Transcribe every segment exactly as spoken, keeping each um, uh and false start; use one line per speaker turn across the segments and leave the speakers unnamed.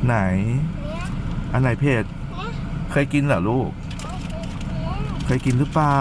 ไหนอันไหนเผ็ดเคยกินเหรอลูกเคยกินหรือเปล่า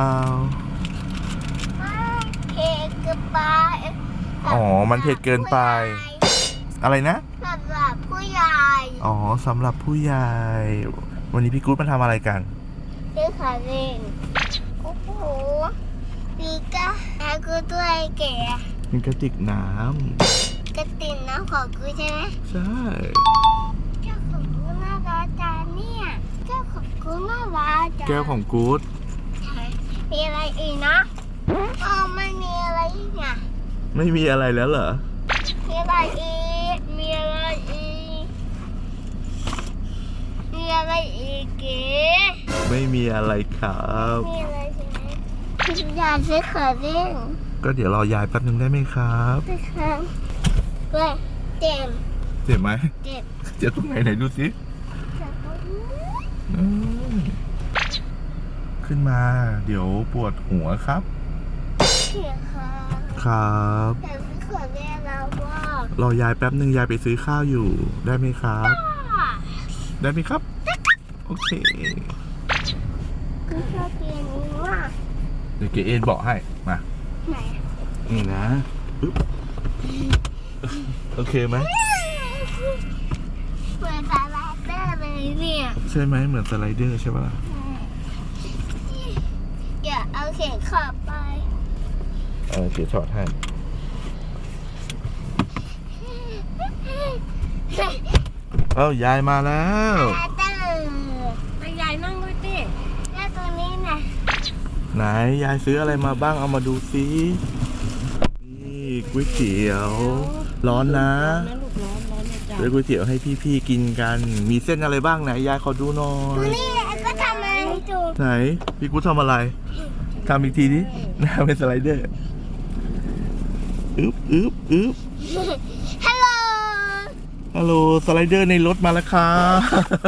เผ็ดเกินไป
อ๋อมันเผ็ดเกินไปอะไรนะ
สำหรับผู้ใหญ่
อ๋อสำหรับผู้ใหญ่วันนี้พี่กู๊ดมาทำอะไรกัน
ซื้อขาเล่นโอ้โหนี่ก็แล้วกูตัวไอ้แก่
มีกระติกน้
ำกระติกน้ำของกูใช่ไหม
ใช่
เจ้าของกูน่ารักจังเนี่ยเจ้าของกูน่ารักจัง
แก้วของกู๊ด
มีอะไรอีกนะอ๋อไม่มีอะไรอีกอ่ะ
ไม่มีอะไรแล้วเหรอ
มีอะไรอีกมีอะไรอีกมีอะไรอีกเก๋
ไม่มีอะไรครับ
มีอะไรใช่ไหมอยากซื้อขาเล่น
ก็เดี๋ยวรอยายแป๊บนึงได้ไหมครับ
ได้ครับเว้ยเจ็บ
เจ็บไหม
เจ็บ
เจ็บตรงไหนไหนดูสิขึ้นมาเดี๋ยวปวดหัวครับ
เขียครับ
ครับ
อยากซื้อขาเล่นแล้วว่าร
อยายแป๊บนึงยายไปซื้อข้าวอยู่ได้ไหมครับได้ไหมครับโอเค
ก็ชอบเกมนี้มาก
เดี๋ยวเกเอ็นบอกให้มา
ไหน
นี่นะปึ๊บโอเคไหม
เหมือนสไลเดอร์เลยเนี่ย
ใช่ไหมเหมือนสไลเดอร์ใช่ปะล่ะ
อย่าเอาเข็มขอบไป
เออเดี๋ยวถอดให้เอ้ายายมาแล้ว
มายายนั่งด้วยดิแล้วตรงนี้นะ
ไหนยายซื้ออะไรมาบ้างเอามาดูซินี่ก๋วยเตี๋ยวร้อนนะซื้อก๋วยเตี๋ยวให้พี่ๆกินกันมีเส้นอะไรบ้างไหนยายขอดูหน่อย
นี่ก็ทำอะไรดู
ไหนพี่กูทำอะไรทำอีกทีนี้หน้าเป็นสไลเดอร์อึ๊บอึ๊บอึ๊บ
ฮัลโหล
ฮัลโหลสไลเดอร์ในรถมาแล้วครับ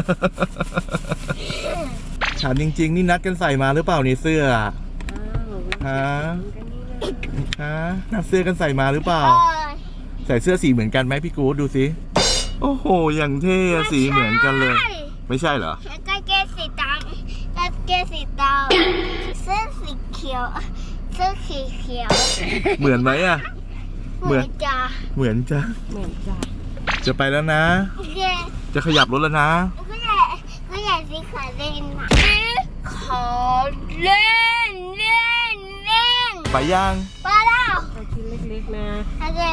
ถามจริงๆนี่นัดกันใส่มาหรือเปล่านี่เสื้อฮะฮะนัดเสื้อกันใส่มาหรือเปล่าใส่เสื้อสีเหมือนกันไหมพี่กู๊ดดูสิโอ้โหอย่างเท่สีเหมือนกันเลยไม่ใช่เหรอ
กางเกงสีดำกางเกงสีดำเสื้อสีเขียวเสื้อสีเขียว
เหมือนไหมอ่ะ
เหมือนจ้า
เหมือนจ้า
เหมือนจ้า
จะไปแล้วนะจะขยับรถแล้วนะ
ก็อยากก็อยากซื้อขาเล่นนะซื้อขาเล่นเล่นเล่น
ไปยัง
ไปแล้ว
ชิ้นเล็กๆนะ
โอเค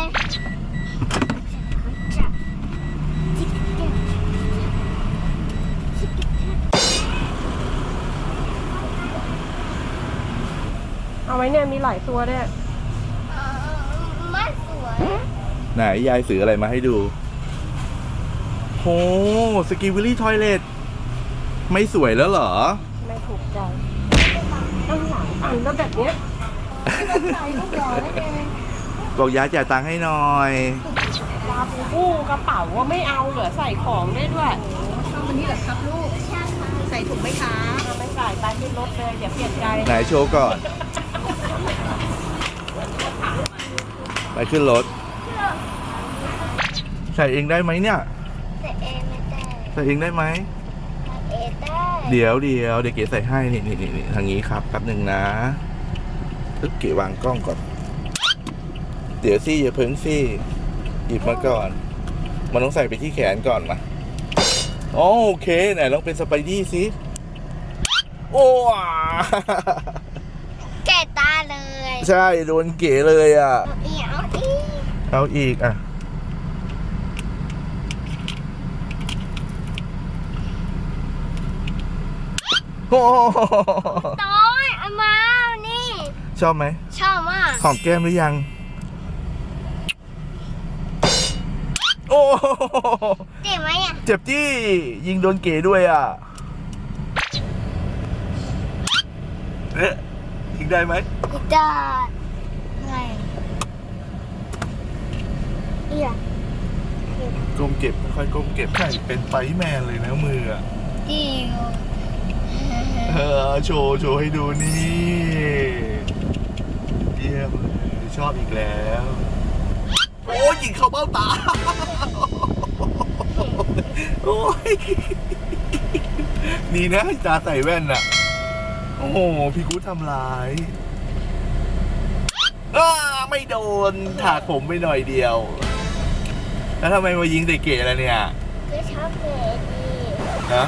เอาไว้เนี่ยมีหลายตัวด้วย
ไม่สวย
ไหนยายซื้ออะไรมาให้ดูโหสกีวิลลี่ทอยเลทไม่สวยแล้วเหรอ
ไม่ถูกใจต้องหลังอันแล้วแบบเนี้ยใจก็หล่อได้เอง
บอกยายจ่ายตังค์ให้หน่อย
ลาบูบูกระเป๋าว่าไม่เอาเหรอใส่ของได้ด้วยชอบวันนี้เหรอครับลูกใส่ถุงไหมคะไม่ใส่ไปขึ้นรถเลยอย่าเปลี่ยนใจ
ไหนโชว์ก่อนไปขึ้นรถใส่เองได้ไหมเนี่ย
ใส่เองไม่ได้
ใส่เองได้ไหม
ใส่เองได้
เดี๋ยวเดี๋ยวเดี๋ยวเก๋ใส่ให้นี่นี่นี่ทางนี้ครับแป๊บหนึ่งนะตึ๊บเก๋วางกล้องก่อนเดี๋ยวซี่อย่าเพิ่งซี่หยิบมาก่อนมันต้องใส่ไปที่แขนก่อนมาโอเคไหนลองเป็นสไปดี้สิโอ้
แก่ตาเลย
ใช่โดนเก๋เลยอ่ะ
เอาอีก
เอาอีกอ่ะโอ้
ต้อยเอามานี่
ชอบไหม
ชอบมาก
หอมแก้มหรือยังโอ้
เจ็บไหมอ่ะ
เจ็บจี้ยิงโดนเก๋ด้วยอ่ะเอ๊ะยิงได้ไหม
ได้ไงเอีย
ก้มเก็บค่อยก้มเก็บใช่เป็นไฟแมนเลยนะมืออ่ะ
จริง
เออโชว์โชว์ให้ดูนี่เยี่ยมเลยชอบอีกแล้วโอ้ยิงเข้าเบ้าตาโอ้ยดีนะตาใส่แว่นน่ะ โอ้โหพี่กู๊ดทำร้ายอ้าไม่โดนถากผมไปหน่อยเดียว แล้วทำไมมายิงใส่เก๋ล่ะเนี่ย
ก็ชอบเก๋ดี
นะ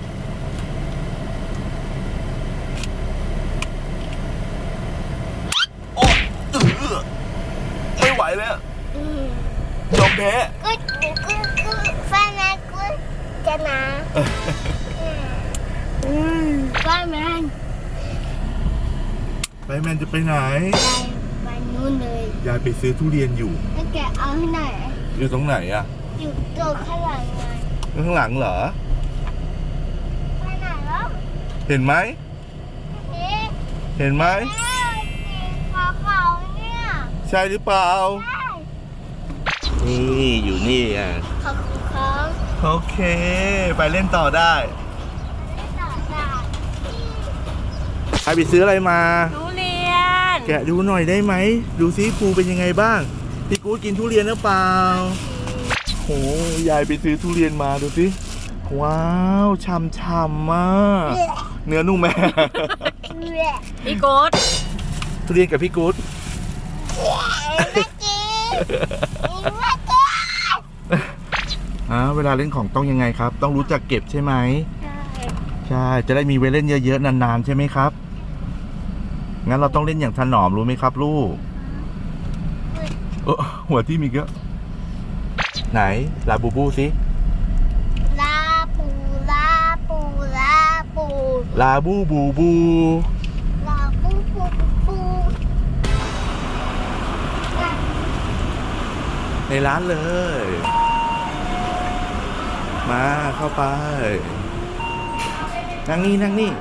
โอ้เออไม่ไหวแล้ว
อืม
ยอมแพ้
ก็ก็ก็ฟ้านะก็จะนะอืมฟ้ามัน
ไปแมนจะไปไหน
ไปไปนู่นเลย
ยายไปซื้อทุเรียนอยู่
แล้วแกเอาให้ไหน
อยู่ตรงไหนอะ
อยู่ตัวข้างหลังไง
ข้างหลังเหรอ
ไปไหนแล้ว
เห็นไหม
เอ๊ะ
เห็นไหม
แม่สีขาวๆเนี่ย
ใช่หรือเปล่า
ใช่
นี่อยู่นี่อ่ะ
ขอบคุณครับ
โอเค ไปเล่นต่อได้
ไม่ต่อจาก
ใครไปซื้ออะไรมา
ทุเรียน
แกะดูหน่อยได้ไหม ดูซิภูเป็นยังไงบ้าง พี่กู๊ดกินทุเรียนหรือเปล่าโหยายไปซื้อทุเรียนมาดูสิว้าวช่ำๆมากเนื้อนุ่มแม่
เละ
พี่โกด
ทุเรียนกับพี่กู๊ด
ไม่กินไม่กิน
อ่าเวลาเล่นของต้องยังไงครับ ต้องรู้จักเก็บใช่ไหม
ใช่
ใช่จะได้มีไว้เล่นเยอะๆนานๆใช่ไหมครับงั้นเราต้องเล่นอย่างถนอมรู้ไหมครับลูกเออหัวที่มีเยอะไหนลาบูบูสิ
ลาปูลาปูลาปู
ลาบูบูบู
ลาปูปูปู
ในร้านเลย มาเข้าไป นั่งนี่นั่งนี่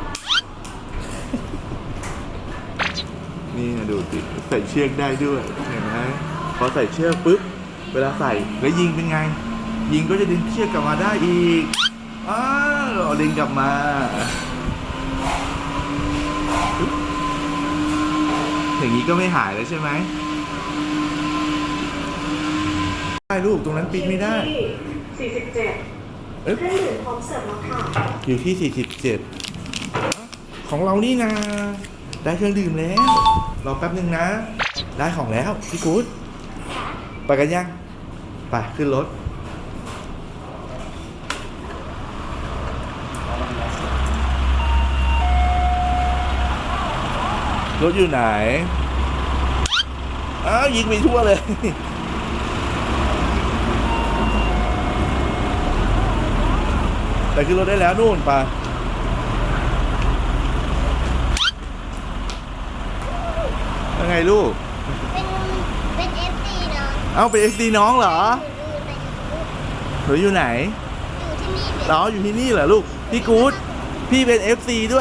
นี่นะดูสิใส่เชือกได้ด้วยเห็นไหมพอใส่เชือกปุ๊บเวลาใส่แล้วยิงเป็นไง ยิงก็จะดึงเชือกกลับมาได้อีกอ้าวดึงกลับมาปึ๊บอย่างนี้ก็ไม่หายแล้วใช่ไหมได้ลูกตรงนั้นปิดไม่ได้
สี่สิบเจ็ด
เอ๊ะ
เครื่องดื่มพร้อมเสิร์ฟแล้วค่ะ
อยู่ที่สี่สิบเจ็ดของเรานี่นะได้เครื่องดื่มแล้วรอแป๊บหนึ่งนะ ได้ของแล้วพี่กู๊ดไปกันยังไปขึ้นรถรถอยู่ไหนอ้าวยิงไปทั่วเลย แต่ขึ้นรถได้แล้วนู่นไปยังไงลูก
เป็นเป็นเอฟซีเนาะ
เอ้าเป็นเอฟซีน้องเหรอ
ดูในยูทูบ
หนูอยู่ไหน
อยู่ที่นี่เลย
เราอยู่ที่นี่เหรอลูก พี่กู๊ดพี่เป็น เอฟ ซี ด้วย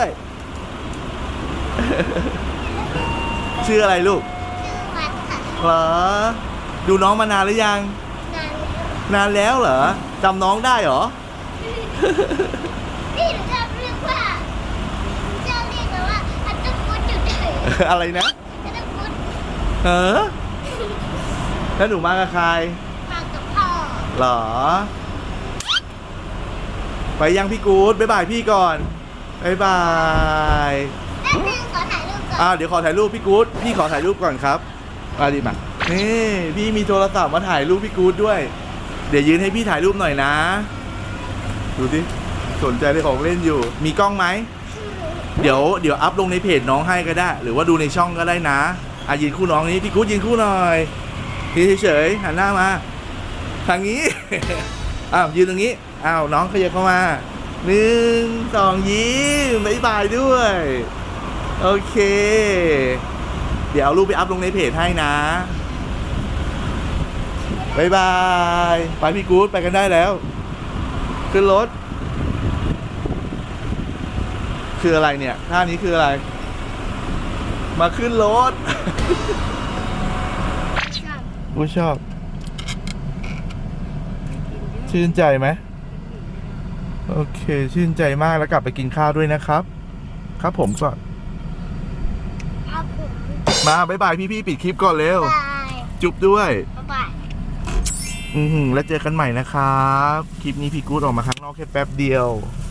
ชื่ออะไรลูก
ชื่อวัดค่ะ
เหรอ ดูน้องมานานหรือยัง
นานแล้ว
นานแล้วเหรอจำน้องได้เหรอ
นี่หนูชอบเรียกว่าหนูชอบเรียกกันว่าอัตตพุทธจุดเด่น
อะไรนะ
อัตตพุทธ
เออแล้วหนูมากับใคร
มากับพ่อ
เหรอ ไปยังพี่กู๊ดบ๊ายบายพี่ก่อนบ๊ายบาย
แป๊บนึงขอถ่ายรูปก่อน
อ่าเดี๋ยวขอถ่ายรูปพี่กู๊ดพี่ขอถ่ายรูปก่อนครับมาดิมานี่พี่มีโทรศัพท์มาถ่ายรูปพี่กู๊ดด้วย เดี๋ยวยืนให้พี่ถ่ายรูปหน่อยนะ ดูดิสนใจในของเล่นอยู่ มีกล้องไหมเดี๋ยวเดี๋ยวอัพลงในเพจน้องให้ก็ได้ หรือว่าดูในช่องก็ได้นะอ่ะยืนคู่น้องนี้พี่กู๊ดยืนคู่หน่อยยืนเฉยๆหันหน้ามาทางนี้ อ้าวยืนตรงนี้อ้าวน้องขยับเข้ามาหนึ่งสองยิ้มบ๊ายบายด้วย โอเค เดี๋ยวเอารูปไปอัพลงในเพจให้นะบ๊ายบายไปพี่กู๊ดไปกันได้แล้วขึ้นรถคืออะไรเนี่ยท่านี้คืออะไร มาขึ้นรถ
ชอบ
กูชอบ ชื่นใจไหมโอเค ชื่นใจมากแล้วกลับไปกินข้าวด้วยนะครับ ครับผมก่อน
ครับผม
มาบ๊ายบายพี่ๆปิดคลิปก่อนเร็ว
บาย
จุ๊บด้วย
บ๊ายบาย
อือหือแล้วเจอกันใหม่นะครับ คลิปนี้พี่กู๊ดออกมาข้างนอกแค่แป๊บเดียว